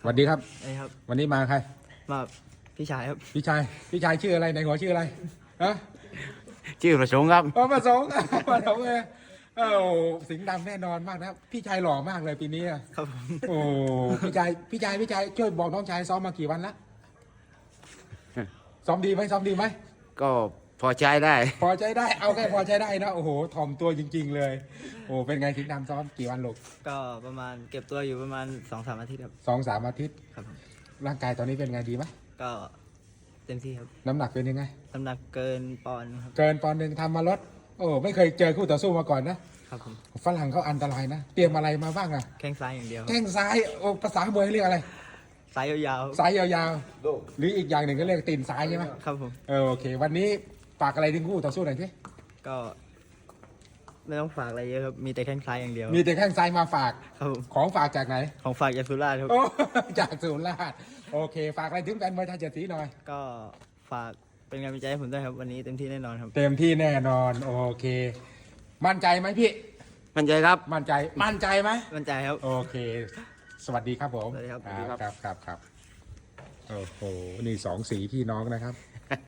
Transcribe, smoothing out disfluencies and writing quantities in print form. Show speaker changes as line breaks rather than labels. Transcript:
วัสดีครับ
ไอ้ครับ
วันนี้มาใคร
มาพี่ชายครับ
พี่ชายชื่ออะไรในหัวชื่ออะไรฮะ
ชื่อประสงค์ครับ
มาสองมาสองเลยสิงห์ดำแน่นอนมากนะพี่ชายหล่อมากเลยปีนี้
ครับผม
โอ้พี่ชายช่วยบอกน้องชายซ้อมมากี่วันละซ้อมดีไหม
ก็พอใจได้
พอใจได้เอาแค่พอใจได้นะโอ้โหถ่อมตัวจริงๆเลยโอ้เป็นไงสิงห์ดำซ้อมกี่วันลูก
ก็ประมาณเก็บตัวอยู่ประมาณ 2-3 อาทิตย์ครับ
2-3 อาทิตย์
ครับ
ร่างกายตอนนี้เป็นไงดีไหม
ก็เต็มที่ครับ
น้ำหนักเป็นยังไง
น้ำหนักเกินปอนด์ครับ
เกินปอนด์หนึ่งทำมาลดโอ้ไม่เคยเจอคู่ต่อสู้มาก่อนนะครับ
ผม
ฝรั่งเขาอันตรายนะเตรียมอะไรมาบ้างอะ
แข้งซ้ายอย่างเดียว
แข้งซ้ายโอ้ภาษามวยเรียกอะไร
ซ้ายยาว
ซ้ายยาวๆหรืออีกอย่างหนึ่งก็เรียกตีนซ้ายใช่ไหม
ครับผม
โอเควันนี้ฝากอะไรถึงคู่ต่อสู้หน่อยสิ
ก็ไม่ต้องฝากอะไรเยอะครับมีแต่แข้งซ้ายอย่างเดียว
มีแต่แข้งซ้ายมาฝาก
ครับผม
ของฝากจากไหน
ของฝากจากสุราษฎร์ครับ
จากสุราษฎร์โอเคฝากอะไรถึงแฟนมวยไทยเจ็ดสีหน่อย
ก็ฝากเป็นกำลังใจให้ผมด้วยครับวันนี้เต็มที่แน่นอนครับ
เต็มที่แน่นอนโอเคมั่นใจไหมพี่
มั่นใจครับ
มั่นใจไหม
มั่นใจครับ
โอเคสวัสดีครับผม
สวัสดีครับ
ครับโอ้โหนี่2 สีพี่น้องนะครับ